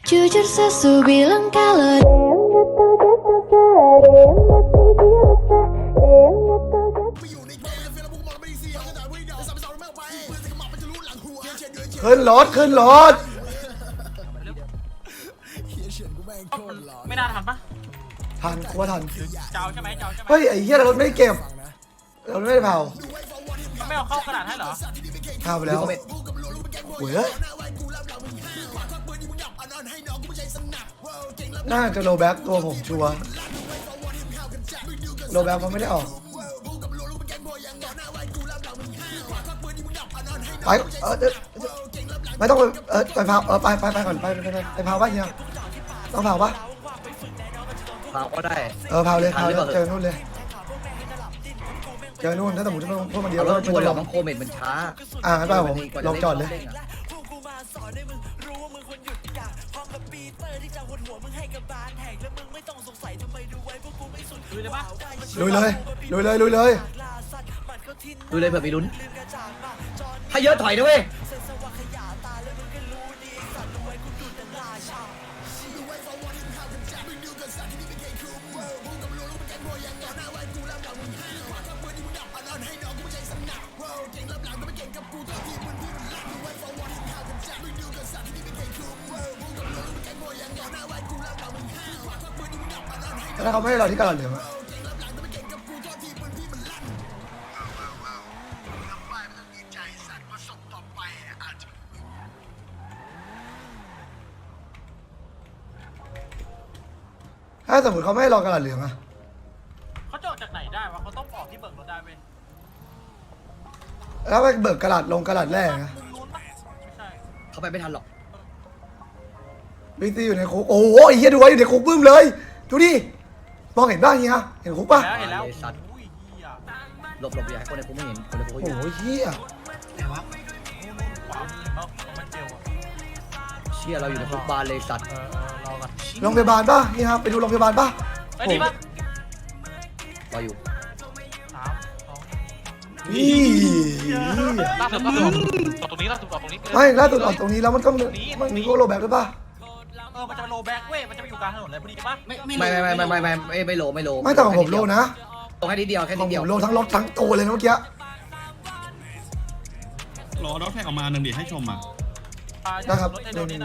Jujur sesu bilang kalau ขึ้นรถขึ้นรถไม่น่าทันปะทันกลัวทันเจ้าใช่ไหมเจ้าใช่ไหมเฮ้ยไอ้เหี้ยรถไม่ได้เก็บรถไม่ได้เผาไม่เอาเข้ากระดาษให้เหรอเผาไปแล้วโว้ยน่าจะโลแบ็กตัวผมชัวร์โลแบ็กมันไม่ได้ออกไปไม่ต้องไปเผาไปก่อนไปเผาป่ะเฮียต้องเผาป่ะเผาก็ได้เผาเลยเจอนู่นเลยเจอนู่นถ้าสมมติพวกมันเดียวเราแล้วชวนเราต้องโคเมนมันช้างั้นเปล่าผมลองจอดเลยดูเลยปะลุยเลยลุยเลยลุยเลยดูเลยเผื่อมีลุ้นถ้าเยอะถอยนะเว้ยถ้าเขาไม่ให้เราที่กระดาษเหลืองถ้าสมมติเขาไม่ให้เรากระดาษเหลืองอะเขาจะออกจากไหนได้วะเขาต้องออกที่เบิกรถได้เว้ยแล้วไปเบิกกระดาษลงกระดาษแรกนะมุมนู้นปะไม่ใช่เขาไปไม่ทันหรอกบิ๊กซีอยู่ในคุกโอ้โหไอ้เหี้ยดูไว้อยู่ในคุกบึ้มเลยดูดิมองเห็นบ้างเฮียเห็นคุกป่ะเห็นแล้วอุ้ยเหี้ยหลบอย่าให้คนในคุกไม่เห็นคนในคุกโอ้เขาโหอยู่เฮียขวามันเจลอะเชี่ยเราอยู่ในคุกบานเลยสัตว์รอกันโรงพยาบาลป่ะเฮียไปดูโรงพยาบาลป่ะไอ้นี่ปะรออยู่ 3 2 นี่ล่าสุดก็คือออกตรงนี้ล่าสุดออกตรงนี้ไม่ล่าสุดออกตรงนี้แล้วมันก็มันมีพวกโลแบ็กด้วยป่ะมันจะโลแบ็กเว้ยมันจะไปอยู่กลางถนนเลยพอดีปะไม่โลไม่แต่ของผมโลนะตรงแค่นิดเดียวแค่ขอนิงดเดีผยวมโลทั้งรถทั้งตัวเลยนะเมื่อกี้รอรถแท็กออกมาหนึ่งดิให้ชมอ่ะนะครับรถไอ้โดนนี่นะ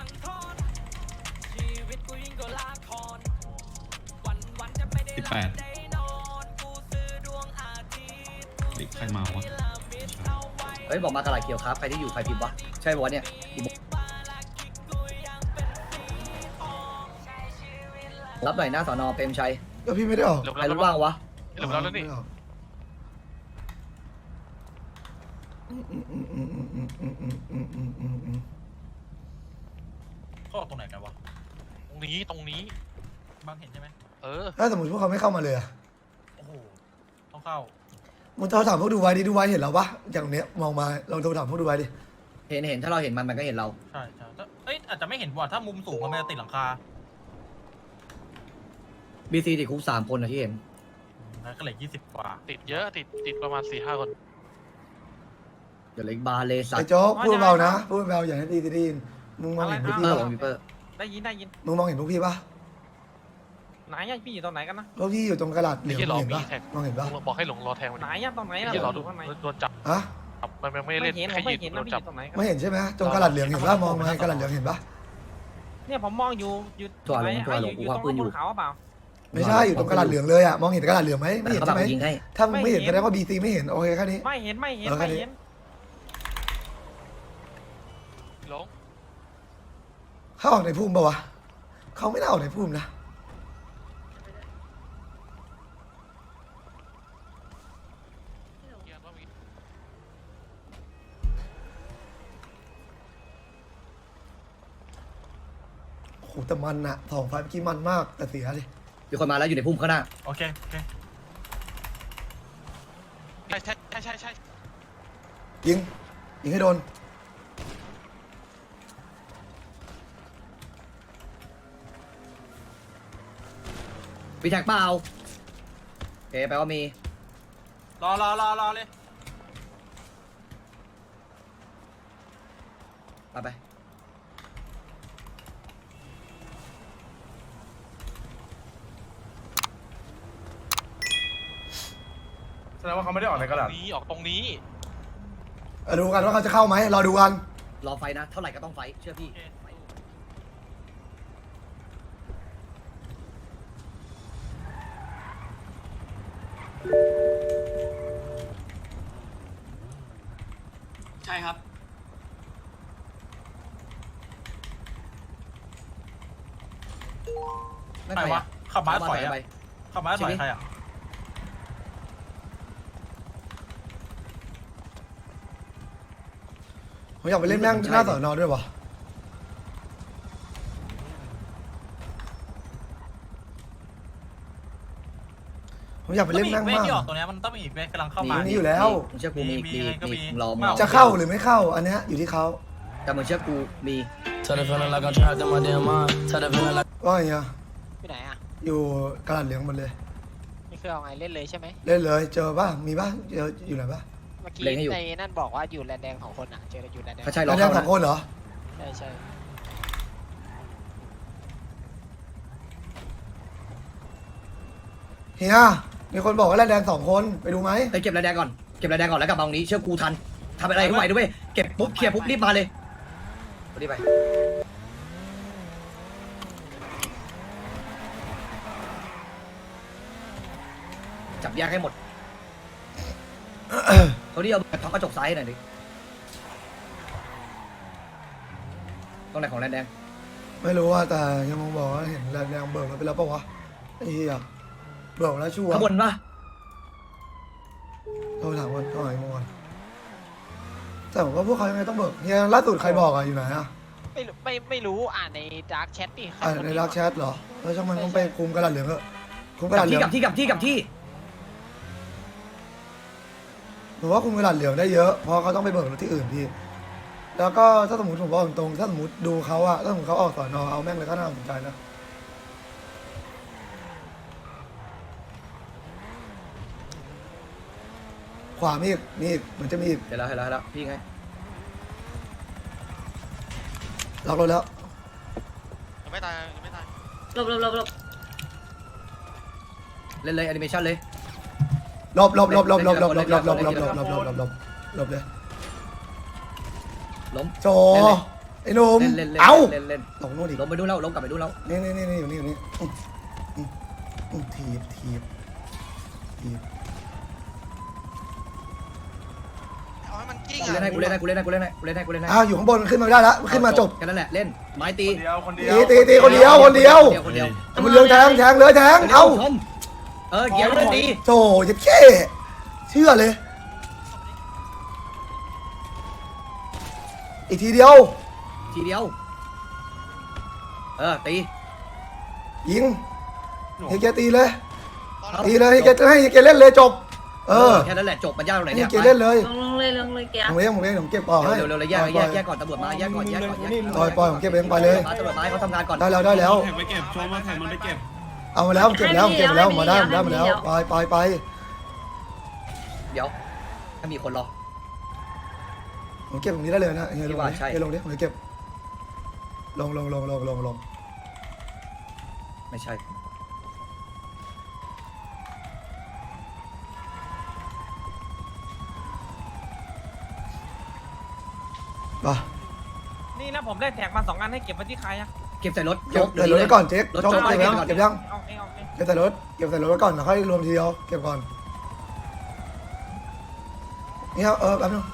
18ดิใครมาวะเฮ้ยบอกมากระดาษเขียวครับใครที่อยู่ใครพิมพ์วะใช่ปะวะเนี่ยรับหน่อยหน้าสอนอเปรมชัยก็พี่ไม่ได้ออกเหลือใครแล้วรู้บ้างวะเหลือแล้วนี่เขาออกตรงไหนกันวะตรงนี้บางเห็นใช่ไหมถ้าสมมติพวกเขาไม่เข้ามาเลยอะโอ้โหต้องเข้ามึงโทรถามพวกดูไว้ดิดูไว้เห็นเราปะอย่างเนี้ยมองมาลองโทรถามพวกดูไว้ดิเห็นถ้าเราเห็นมันก็เห็นเราใช่อาจจะไม่เห็นว่ะถ้ามุมสูงมันจะติดหลังคาบีซีติดคุก3 คนนะที่เห็นแล้วก็เหลือ20 กว่าติดเยอะติดประมาณ 4-5 คนเดี๋ยวเล็กบาร์เลยสัตไอ้ว์โจ๊กพูดเบานะพูดเบาอย่าให้ดีนมึงมองเห็นพวกเปพี่อร์ปะผมมีเปอร์ได้ยินมึงมองเห็นพวกพี่ปะไหนอะพี่อยู่ตรงไหนกันนะพวกพี่อยู่ตรงกระดาษเหลืไอ้องที่รอเห็นมีปะแท็กมองเห็นปะบอกให้หลงรอแทงมันไหนอะตรงไหนไอ้อะที่รอข้างในโดนจับฮะมันไม่ไม่เล่นเห็นแค่ไม่ยิงเห็นโดนะนพี่จับอยู่ตรงไหนกันไม่เห็นใช่ไหมตรงกระดาษเหลืองเห็นปะมองมาให้กระดาษเหลืองเห็นปะเนี่ยผมมองอยู่อยู่ตรงบนเขาเปล่าไม่ใช่อยู่ตรงกระดาษเหลืองเลยอะมองเห็นกระดาษเหลืองไหมไม่เห็นเขาใช่แบบไหมยิงให้ถ้ามึงไม่เห็นแสดงว่าบีซีไม่เห็นโอเคแค่นี้ไม่เห็นหลงเขาออกในพุ่มปะวะเขาไม่น่าออกในพุ่มนะโอ้โหแต่มันอะ2 ไฟล์เมื่อกี้มันมากแต่เสียดิมีคนมาแล้วอยู่ในพุ่มข้างหน้าโอเคใช่ยิงให้โดนมีแท็กเปล่าโอเคแปลว่ามีรอเลยไปแสดงว่าเขาไม่ได้ออกในกระดาษนี้ออกตรงนี้ดูกันว่าเขาจะเข้าไหมรอดูกันรอไฟนะ เท่าไหร่ก็ต้องไฟเชื่อพี่ใช่ครับไม่ใครไปวะขับม้าถอยอะไปขับม้าถอยใครอะผมอยากไปเล่นแม่งหน้าสอนอด้วยวะผมอยากไปเล่นแม่งเว้ยมากที่ออกตัวเนี้ยมันต้องมีอีกเว้ยกำลังเข้ามามีอยู่แล้วมึงเชื่อกูมีมีไงก็มีมึงรอมึงรอจะเข้าหรือไม่เข้าอันเนี้ยอยู่ที่เขาแต่มึงเชื่อกูมีว่าไงอะไปไหนอ่ะอยู่กระดาษเหลืองหมดเลยนี่คือเอาไงเล่นเลยใช่ไหมเล่นเลยเจอป่ะมีป่ะเจออยู่ไหนป่ะเมื่อกี้ในนั่นบอกว่าอยู่แลนแดงของคนอ่ะเจออยู่แลนแดงถ้าใช่รแล้อวแดงเข้าสองคนเหรอใช่ใช่เฮียมีคนบอกว่าแดงสองคนไปดูไหมไปเก็บระแดงก่อนเก็บระแดงก่อนแล้วกลับมาตรงนี้เชื่อกูทันทำอะไรให้ไหวด้วยเก็บปุ๊บเคลียร์ปุ๊บรีบมาเลยรีบไปจับแยกให้หมดเขาที่เอาท็อปกระจกซ้ายหน่อยดิตรงไหนของแดงไม่รู้ว่าแต่ยังมองบอกว่าเห็นแดงเบิกมาไปแล้วปะวะไอ้เหี้ยเบิกแล้วชัวร์ข้างบนปะโทรถามวันก่อนเมื่อวานแต่ผมว่าพวกเขายังไงต้องเบิกเฮียล่าสุดใครบอกอะอยู่ไหนอะไม่รู้อ่านในดาร์กแชทดิในรักแชทเหรอแล้วช่างมันต้องไปคุมกระดาษเหลืองเถอะคุมกระกัดาบษเหลืที่องกับที่กับที่กับที่ผมว่าคุมกระดาษเหลืองได้เยอะเพราะเขาต้องไปเบิกรถที่อื่นพี่แล้วก็ถ้าสมมติผมบอกตรงๆถ้าสมมติดูเขาอะถ้าสมมติเขาออกสอนอเอาแม่งเลยก็น่าสนใจนะขวามีอีกเหมือนจะมีอีกเห็นแล้วพี่ไงล็อกรถแล้วยังไม่ตายยังไม่ตายหลบเล่นเลยแอนิเมชันเลยหลบเลยล้มโจไอ้หนุ่มเล่นเอ้าเล่นตกนู่นอีกล้มไปดูแล้วล้มกลับไปดูแล้วนี่อยู่นี่ถีบเอาให้มันกิ้งกูเล่นให้อ้าวอยู่ข้างบนขึ้นมาไม่ได้ละขึ้นมาจบแค่นั้นแหละเล่นไม้ตีคนเดียวตีคนเดียวคนเดียวมันเรืองแทงเลยแทงเอ้าเกี่ยวเลยตีโจจะเช่เชื่อเลยอีกทีเดียวทีเดียวตียิงเฮียแกตีเลยเฮียแกเล่นเลยจบแค่นั้นแหละจบมันยากตรงไหนเฮีเนี่ย ยแกเล่นเลยลงเลยแกผมเก็บต่อให้เร็วแยกก่อนตำรวจมาแยกก่อนปล่อยผมเก็บเองไปเลยตำรวจมาให้เขาทำงานก่อนได้แล้วแท็กไปเก็บชมว่าแท็กมันไปเก็บเอามาแล้วเก็บแล้วมาได้มาแล้วไปเดี๋ยวถ้ามีคนรอผมเก็บตรงนี้ได้เลยนะเฮียลงใช่ลงดิผมเก็บลงไม่ใช่ป่ะนี่นะผมได้แท็กมา2 อันให้เก็บไว้ที่ใครอ่ะเก็บใส่รถเก็บใส่รถไว้ก่อนเจ๊กจบเก็บยังเก็บยังเอาเองเก็บใส่รถไว้ก่อนแล้วค่อยรวมทีเดียวเก็บก่อนนี่ครับแป๊บนึง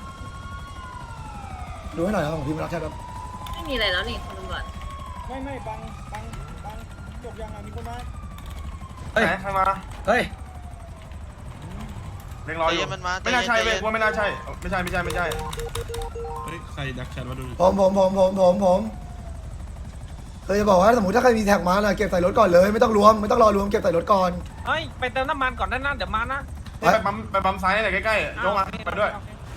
ดูให้หน่อยครับของพี่มารักแค่ครับไม่มีอะไรแล้วนี่คุณตำรวจไม่บังจบยังไงมีคนมาเฮ้ยใครมาเฮ้ยเล็งรออยู่ไม่น่าใช่เว้ยว่าไม่น่าใช่ไม่ใช่เฮ้ยใครดักแชทมาดูผมเคยจะบอกว่าสมมติถ้าใครมีแท็กมาน่ะเก็บใส่รถก่อนเลยไม่ต้องรอรวมเก็บใส่รถก่อนเฮ้ยไปเติมน้ำมันก่อนนั่นเดี๋ยวมานะไปปั๊มซ้ายหน่อยใกล้ๆยกมาไปด้วย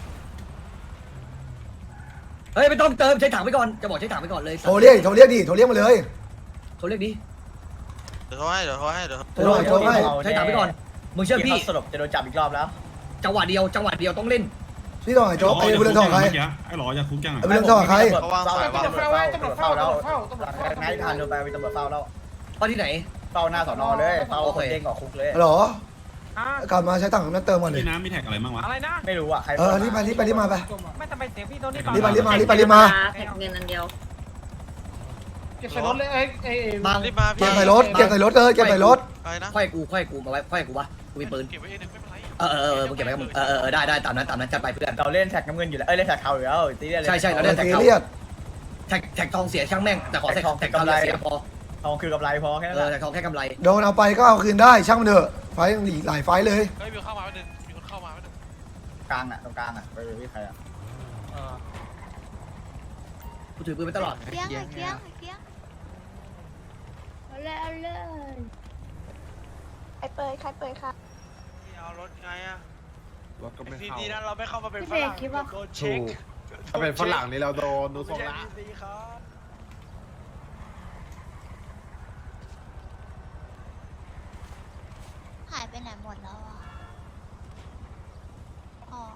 เฮ้ยไม่ต้องเติมใช้ถังไปก่อนจะบอกใช้ถังไปก่อนเลยโทรเรียกมาเลยโทรเรียกดิเดี๋ยวเขาให้โทรให้ใช้ถังไปก่อนมึงเชื่อพี่สรุปจะโดนจับอีกรอบแล้วจังหวะเดียวต้องเล่นพี่ต่อไอ้โจ๊กไอ้บุญเรืองทองใครไอ้หลออยากคุกยังไงไอ้บุญเรืองทองใครเขาวางสายว่าตำรวจเฝ้าแล้วนายทานโดนไปตำรวจเฝ้าแล้วเฝ้าที่ไหนเฝ้าหน้าสอนอเลยเฝ้าคนเด้งออกคุกเลยหรอกลับมาใช้ถังนั้นเติมก่อนเลยพี่น้ำมีแท็กอะไรบ้างวะอะไรนะไม่รู้อ่ะใครรีบมาไปไม่ทำไมเสียงพี่โดนนี่รีบมาแท็กเงินอันเดียวเก็บใส่รถเลยบางรีบมาเก็บใส่รถเก็บใส่รถเก็บใส่รถไปนะค่อยกูมาไว้ค่อยกูวะกูมีปืนเก็บไว้เองไม่เป็นไรมึงเก็บไว้กับมึงได้ตามนั้นจัดไปเพื่อนเราเล่นแท็กน้ำเงินอยู่แล้วเล่นแท็กเทาอยู่แล้วตีเล่นใช่เราเล่นแท็กซีเขาเรียสแท็กทองเสียช่างแม่งแต่ขอแท็กเสียพอทองคือกำไรพอแค่นั้นแท็กทองแค่กำไรโดนเอาไปก็เอาคืนได้ช่างมันเถอะไฟยังหลายไฟเลยเฮ้ยมีเข้ามาไม่ดึงมีคนเข้ามาไม่ดึงกลางอ่ะตรงกลางอ่ะไปพี่ใครอ่ะกูถือปืนไปตลอดเคียงเอาเลยใครเปิดค่ะเอารถไงอะรถก็ไม่เข้าดีนะเราไม่เข้ามาเป็นพี่เบรกคิดว่าโดนเช็คถ้าเป็นฝรั่งนี่เราโดนดูทรงละหายไปไหนหมดแล้วอ่ะอ๋อ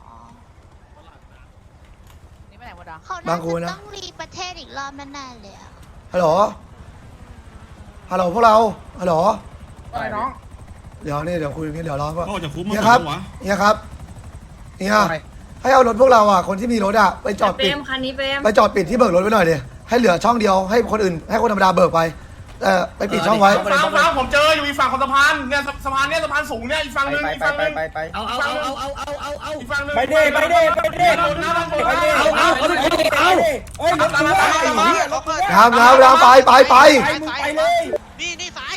นี่ไปไหนหมดอ่ะเขาน่าจะต้องรีประเทศอีกรอบแน่ๆเลยอ่ะฮัลโหลพวกเราฮัลโหลอะไรน้องเดี๋ยวคุยกันเดี๋ยวรอก่อนก็ออกจากคุกมาเนี่ยคครัรับบเนี่ยครับเนี่ยให้เอารถพวกเราอ่ะคนที่มีรถอ่ะไปจอดเปรปิดมคันนี้เปรมไปจอดปิดที่เบิกรถไว้หน่อยดิให้เหลือช่องเดียวให้คนอื่นให้คนธรรมดาเบิกไปไปปิดช่องไว้ฟังผมเจออยู่อีกฝั่งของสะพานเนี่ยสะพานเนี่ยสะพานสูงเนี่ยอีกฝั่งนึงอีกฝั่งนึงไปเอาอีกฝั่งนึงไปเด้เอาเฮ้ยรถกูน้ำไปไปเลยนี่สาย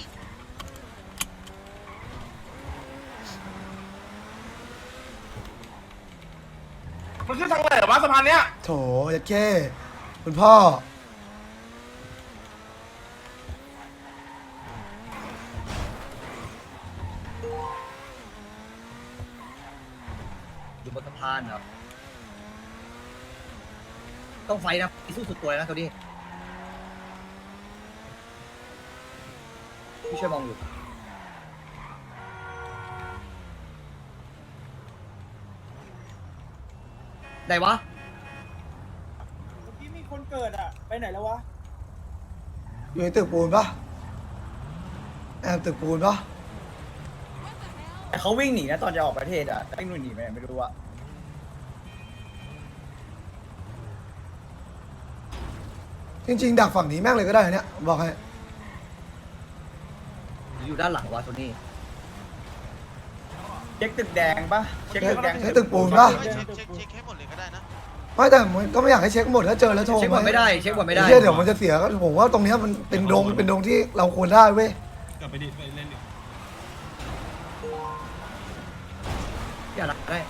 มันขึ้นทางไหนวะสะพานเนี้ยโถยัดแค่คุณพ่ออยู่บนสะพานเหรอต้องไฟนะสู้สุดตัวนะตัวนี้พี่ช่วยมองอยู่ไหนวะที่มีคนเกิดอ่ะไปไหนแล้ววะอยู่ในตึกปูนปะแอบตึกปูนปะเขาวิ่งหนีนะตอนจะออกประเทศอ่ะวิ่งหนีไปไหนไม่รู้อ่ะจริงๆดักฝั่งนี้แม่งเลยก็ได้เนี่ยบอกให้อยู่ด้านหลังวะตัวนี้เช็คตึกแดงปะเช็คตึกแดงใช้ตึกปูนปะเช็คให้หมดเลยก็ได้นะไม่แต่มันก็ไม่อยากให้เช็คหมดถ้าเจอแล้วโทรเช็คบอลไม่ได้เช็คบอลไม่ได้เดี๋ยวมันจะเสียก็ผมว่าตรงเนี้ยมันเป็นดงที่เราควรได้เว้ยกลับไปดิไปเล่นดิอย่าหลักได้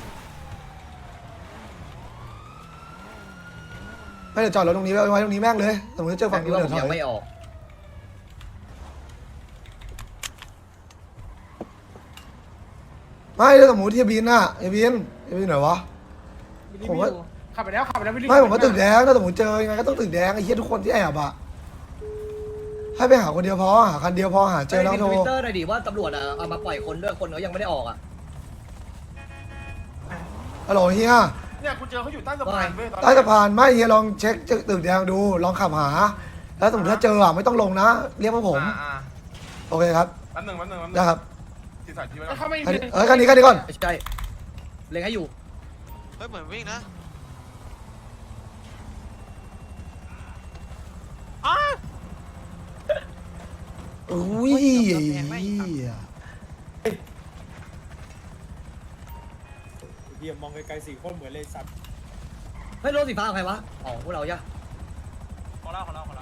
ไม่เดี๋ยวจอดรถตรงนี้ไว้ตรงนี้แม่งเลยสมมติเจอฝั่ฝั่งงนี้นู้นว่าเดี๋ยวถผมยัอง ยไม่ออกไม่ถ้าสมมติที่บินน่ะไอ้บินไหนวะผมว่าขับไปแล้วไม่รีบไม่ผมว่าตึกแดงถ้าสมมติเจอยังไงก็ต้องตึกแดงไอ้เหี้ยทุกคนที่แอบอะให้ไปหาคนเดียวพอหาคันเดียวพอหาเจอแล้วโทรทวิตเตอร์หน่อยดิว่าตำรวจเอามาปล่อยคนด้วยคนเขายังไม่ได้ออกอ่ะฮัลโหลเฮียเนี่ยกูเจอเขาอยู่ใต้สะพานเว้ยใต้สะพานไม่เฮียลองเช็คตึกแดงดูลองขับหา แล้วสมมติถ้าเจออะไม่ต้องลงนะเรียกพวกผมโอเคครับแป๊บนึงนะครับติดสายทีไว้คันนี้ก่อนไม่ใช่เล็งให้อยู่เฮ้ยเหมือนวิ่งนะอุ้ยเดี๋ยวมองไกลๆ4คนเหมือนเลยสัตว์เฮ้ยรถสีฟ้าใครวะอ๋อพวกเราจ้ะของเรา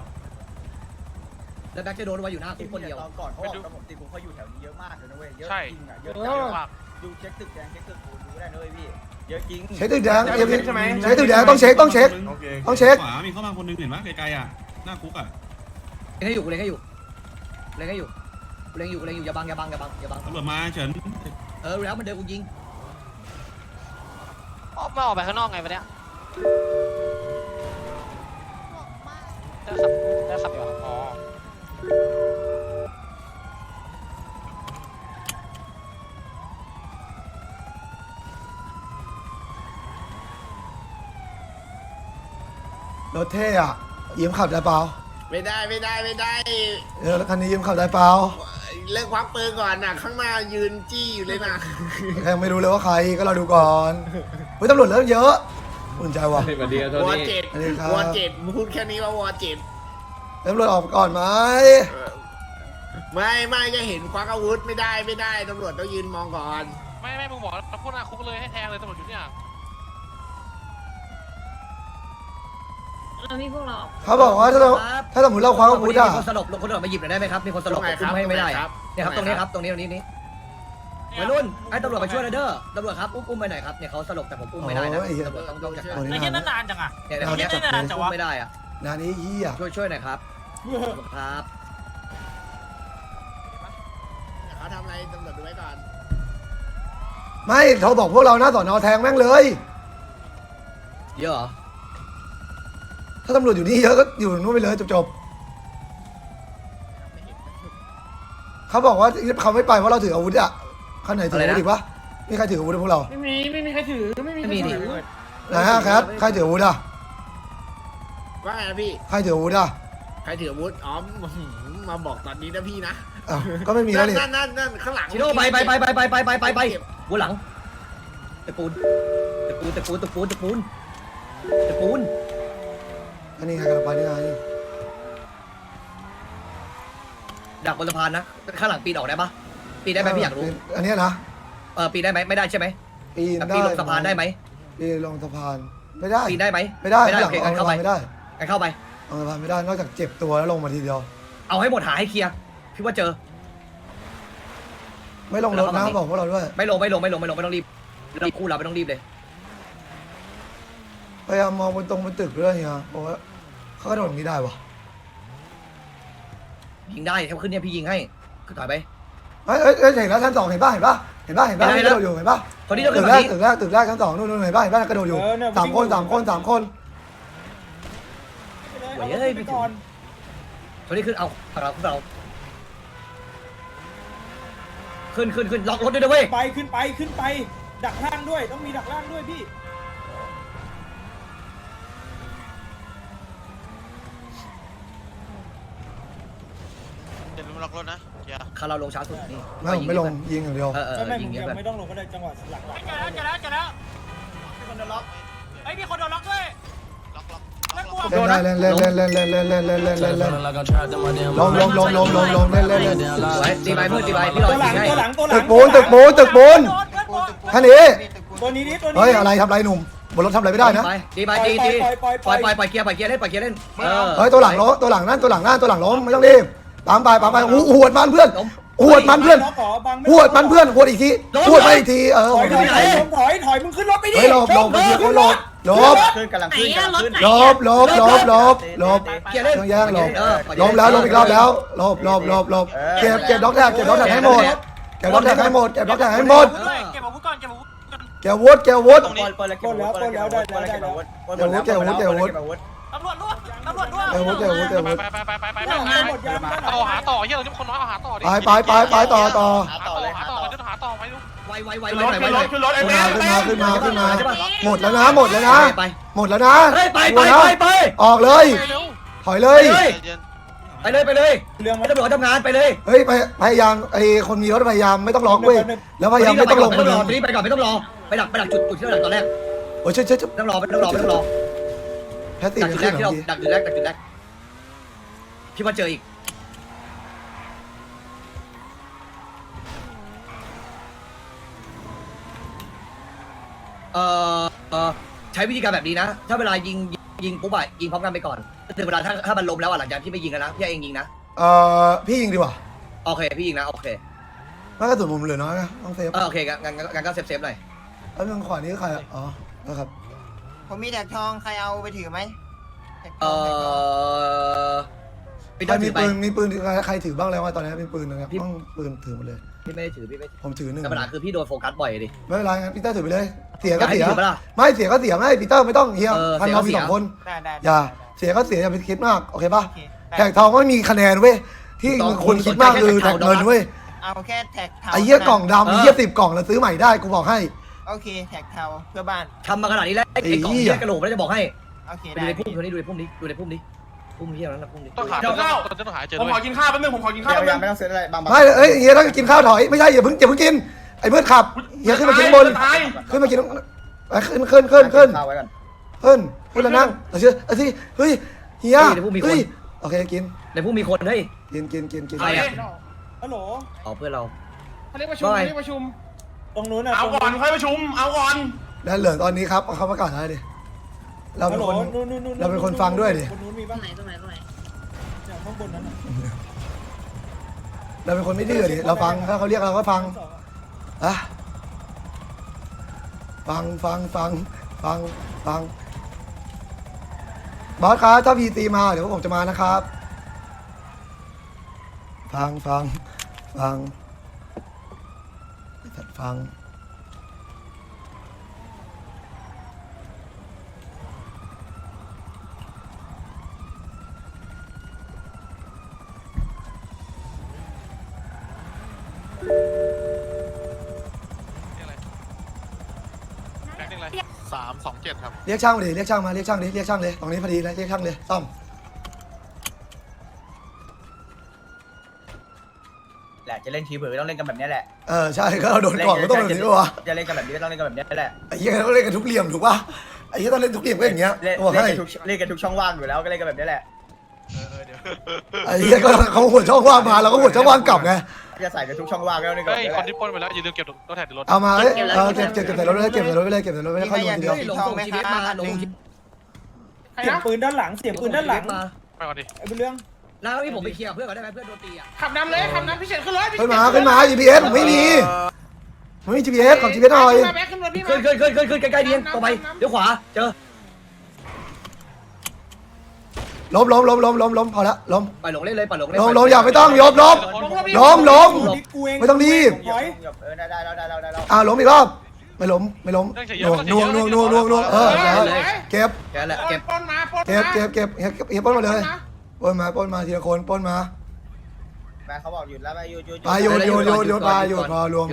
แล้วแบ็คจะโดนไว้อยู่หน้าคุกคนเดียวตอนก่อนเขาบอกผมตีผมเขาอยู่แถวนี้เยอะมากเลยนะเว้ยเยอะใช่จริงอ่ะเยอะเยอะมากดูเช็คตึกแดงเช็คตึกปูนดูได้นะเว้ยพี่เยอะจริงเช็คตึกแดงใช้ตึกแดงต้องเช็คโอเคต้องเช็คขวามีเข้ามาคนนึงเห็นปะไกลๆอ่ะหน้าคุกอ่ะเล็งให้อยู่กูเล็งให้อยู่เล็งให้อยู่กูเล็งอยู่อย่าบังตำรวจมาเฉินรู้แล้วมันเดินกูยิงไม่ออกไปข้างนอกไงวะเนี่ยบอกมากได้ขับอยู่อ๋อรถเท่อะยืมขับได้เปล่าไม่ได้คันนี้ยืมขับได้เปล่าเลิกควักปืนก่อนน่ะข้างหน้ายืนจี้อยู่เลยนะใครยังไม่รู้เลยว่าใครก็เราดูก่อนเฮ้ยตำรวจเริ่มเยอะอุ่นใจว่ะวอเจ็ดสวัสดีครับวอเจ็ดพูดแค่นี้ว่าวอเจ็ดตำรวจออกก่อนไหมไม่จะเห็นควักอาวุธไม่ได้ตำรวจต้องยืนมองก่อนไม่มึงบอกแล้วพวกหน้าคุกเลยให้แทงเลยตำรวจอยู่เนี่ยเรามีพวกเราเขาบอกว่าถ้าสมมติเราคว้าอาวุธอ่ะมีคนสลบคนอื่นมาหยิบหน่อยได้ไหมครับมีคนสลบตรงไหนอุ้มให้ไม่ได้ครับเนี่ยครับตรงนี้ครับตรงนี้วัยรุ่นให้ตำรวจไปช่วยหน่อยเด้อตำรวจครับอุ้มไปหน่อยครับเนี่ยเขาสลบแต่ผมอุ้มไม่ได้นะโอ้ยตำรวจต้องจัดการโอ้ยไอ้เหี้ยนั่นนานจังอ่ะเนี่ยคนเนี้ยไม่ได้นะอุ้มไม่ได้อะงานนี้เฮียช่วยหน่อยครับครับเขาทำอะไรตำรวจดูไว้ก่อนไม่เขาบอกพวกเราหน้าสอนอแทงแม่งเลยเยอะเหรอถ้าตำรวจอยู่นี่เยอะก็อยู่นู่นไปเลยจบๆเขาบอกว่าเขาไม่ไปเพราะเราถืออาวุธอ่ะข้างไหนถืออาวุธอีกปะมีใครถืออาวุธพวกเราไม่มีใครถือไม่มีใครไม่มีดิถือไหนฮะแคทใครถืออาวุธอ่ะว่าไงนะพี่ใครถืออาวุธอ่ะใครถืออาวุธอ๋อมาบอกตอนนี้นะพี่นะอ้าวก็ไม่มีแล้วนี่นั่นข้างหลังชิโร่ไปหัวหลังตะปูนอันนี้ใครกำลังไปนี่ไงดักบนสะพานนะข้างหลังปีนออกได้ปะปีนได้ไหมพี่อยากรู้อันเนี้ยนะปีนได้ไหมไม่ได้ใช่ไหมปีนแต่ได้ปีนลงสะพานได้ไหมปีนลงสะพานไม่ได้ปีนได้ไหมไม่ได้ไม่ได้หลัโอง เคเอางั้นสะเข้าไปพานไม่ได้งั้นเข้าไปเอาสะพานไม่ได้นอกจากเจ็บตัวแล้วลงมาทีเดียวเอาให้หมดหาให้เคลียร์พี่ว่าเจอไม่ลงรถนะบอกพวกเราด้วยไม่ลงไม่ต้องรีบคู่เราไม่ต้องรีบเลยพยายามมองบนตึกด้วยเนี่ยบอกว่าเขากระโดดตรงนี้ได้วะยิงได้ถ้าขึ้นเนี่ยพี่ยิงให้ขึ้นถอยไปเฮ้ยเห็นแล้วชั้น 2เห็นป่ะกระโดดอยู่เห็นป่ะคนที่จะขึ้ตึนกมาแรกนี้ตึกแรกชั้น 2นู่นเห็นป่ะกระโดดอยู่สามคนไปก่อนคนที่ขึ้นเอาฝั่งเราขึ้นล็อกรถด้วยนะเว้ยขึ้นไปดักล่างด้วยต้องมีดักล่างด้วยพี่เดี๋ยวมึงล็อกรถนะเกียร์คาเราลงช้าสุดนี่ไม่ลงยิงอย่างเดียวไม่ยิงเงี้ยยังแบบไม่ต้องลงก็ได้จังหวะหลังเจอแล้วมีคนโดนล็อกเฮ้ยมีคนโดนล็อกด้วยล็อกเล่นได้เล่นลงเล่นตีไปเพื่อนตีไปพี่รอตัวหลัยิงงให้ตัวหลังตึกปูนท่านนี้ตัวนี้เฮ้ยอะไรทำไรหนุ่มบนรถทำอะไรไม่ได้นะตีไปตีปล่อยเกียร์เล่นเฮ้ยตัวหลังนั่นตัวหลังล้มไม่ต้องรีบตามไปหวดมันเพื่อนหวดมันเพื่อนหวดอีกทีหวดไปอีกทีถอยมึงขึ้นรถไปดิเฮ้ยหลบไปทีคนหลบขึ้นกำลังไหนขึ้นอะรถไหนเกียร์เล่นต้องแย่งหลบอีกรอบแล้วหลบเก็บด็อกแท็กให้หมดเก็บด็อกแท็กให้หมดเก็บอาวุธก่อนเก็บอาวุธก่อนเก็บวุฒิปล้นแล้วได้ตำรวจร่วมไปต่อหาต่อเฮียเราทุกคนน้อยเอาหาต่อดิไปต่อหาต่อไปดูไวขึ้นรถไอ้แม่ขึ้นมาหมดแล้วนะหมดแล้วนะไปออกเลยเร็วถอยเลยไปเลยเรื่องให้ตำรวจทำงานไปเลยเฮ้ยพยายามไอ้คนมีรถพยายามไม่ต้องล็อกเว้ยแล้วพยายามไม่ต้องลงไม่ต้องรอไปก่อนไม่ต้องรอไปดักจุดที่เราดักตอนแรกโอ้ยเช่ไม่ต้องรอแพตตี้ดักจุดแรกที่เราดักจุดแรกพี่ว่าเจออีกใช้วิธีการแบบนี้นะถ้าเวลายิงปุ๊บอะยิงพร้อมกันไปก่อนถึงเวลาถ้ามันล้มแล้วหลังจากที่ไม่ยิงนะพี่เองยิงนะพี่ยิงดีกว่าโอเคพี่ยิงนะโอเคไม่กระสุนผมเหลือน้อยนะต้องเซฟโอเคงั้นก็เซฟหน่อยแล้วทางขวานี้ใครอ๋อนะครับผมมีแท็กทองใครเอาไปถือไหมใครมีปืนใครถือบ้างแล้วตอนนี้มีปืนนะครับต้องปืนถือหมดเลยพี่ไม่ได้ถือผมถือหนึ่งแต่ปัญหาคือพี่โดนโฟกัสบ่อยดิไม่เป็นไรงั้นปีเตอร์ถือไปเลยเสียก็เสียถือปะล่ะไม่เสียก็เสียไม่ปีเตอร์ไม่ต้องเฮียพันเรามีเสีย 2 คนได้อย่าเสียก็เสียอย่าไปคิดมากโอเคป่ะโอเคแท็กทองก็ไม่มีคะแนนเว้ยที่คุณคิดมากคือแท็กเงินเว้ยเอาแค่แท็กเทาไอ้เหี้ยกล่องดำเหี้ย10 กล่องแล้วซื้อใหม่ได้กูบอกให้โอเคแท็กเทาเพื่อบ้านทำมาขนาดนี้แล้วไอ้กล่องไอ้เหี้ยเหี้ยกระโหลกไม่ได้จะบอกให้โอเคดูได้ในพุ่มนี้ดูในพุ่มนี้พุ่มเฮียนั้นนะพุ่มดิต้องหาต้องหาเจอผมด้วยขอกินข้าวแป๊บนึงผมขอกินข้าวเดี๋ยวแป๊บยันึงงไม่ต้องซื้ออะไรบางไม่เอ้ยเฮียต้องกินข้าวถอยไม่ใช่อย่าเพิ่งกินไอ้เมื่อขับเฮียขึ้นมากินบนตายขึ้นมากินขึ้นข้าวไว้ก่อนขึ้นแล้วนั่งเอาสิเฮ้ยเฮียเฮ้ยโอเคกินในพุ่มมีคนเฮ้ยกินใครอะฮัลโหลอ๋อเพื่อนเราเขาเรียกประชุมเขาเรียกประชุม ตรงนู้นอ่ะเอาก่อนค่อยประชุมเอาก่อนแล้วเหลือตอนนี้ครับเขาประกาศอะไรดิเราฮัเป็ลนโหลคนนู่นเราเป็นคนฟังด้วยดิบนนู้นมีตรป่ะงไหนตรงไหนตรงไหนเนี่ยข้างบนนั้นน่ะเราเป็นคนไม่ดื้อดิเราฟังถ้าเขาเรียกเราก็ฟังอะฟังบอสครับถ้าพีตีมาเดี๋ยวผมจะมานะครับฟังจัดฟังแบงค์อะไร327ครับเรียกช่างมาดิเรียกช่างมาเรียกช่างเลยตรงนี้พอดีแล้วเรียกช่างเลยซ่อมแหละจะเล่นทีเผลอต้องเล่นกันแบบนี้แหละใช่ก็เราโดนก่อนก็ต้องแบบนี้วะจะเล่นกันแบบนี้ก็ต้องเล่นกันแบบนี้แหละไอ้เหี้ยต้องเล่นกันทุกเหลี่ยมถูกป่ะไอ้เหี้ยต้องเล่นทุกเหลี่ยมก็อย่างเงี้ยเล่นบอกให้กันทุกช่องว่างอยู่แล้วก็เล่นกันแบบนี้แหละไอ้เหี้ยก็เขาหัวช่องว่างมาเราก็หัวช่องว่างกลับไงจะใส่กันทุกช่องว่างก็ต้องเล่นกันเฮ้แบบยนี้แหคนละที่ปล้นไปแล้วอย่าลืมเก็บรถแท็กในรถเอามาเก็บใส่รถไปเลยเก็บใส่รถไปเลยค่อยโยนทีเดียวหลงส่งชีวิตมาหลงเสียงปืนด้านหลังเสียงปืนด้านหลังมาไปก่อนดิไอ้เป็นเรื่องแล้วพี่ผมไปเคลียร์เพื่อนก่อนได้ไหมเพื่อนโดนตีอ่ะขับนำเลยขับนำพี่เฉินขึ้นรถขึ้นมา GPS ผมไม่มี GPS ของ GPS หน่อยขึ้นรถพี่ขึ้นใกล้ๆดีตรงไปเดี๋ยวขวาเจอล้มพอละล้มปล่อยหลงเล่นเลยปล่อยหลงเล่นล้มอย่าไม่ต้องยบล้ม ไม่ต้องรีบถอยได้แล้วล้มอีกรอบไม่ล้มน่วงเก็บแกแหละเก็บปล้นมาปล้นเฮียปล้นมาเลยปล้นมาทีละคนปล้นมาแม่เขาบอกหยุดแล้วไปหยุดไปหยุดพอรวม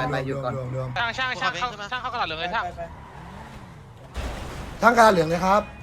ช่างเข้ากระดาษเหลืองเลยช่างทั้งการเหลืองเลยครับ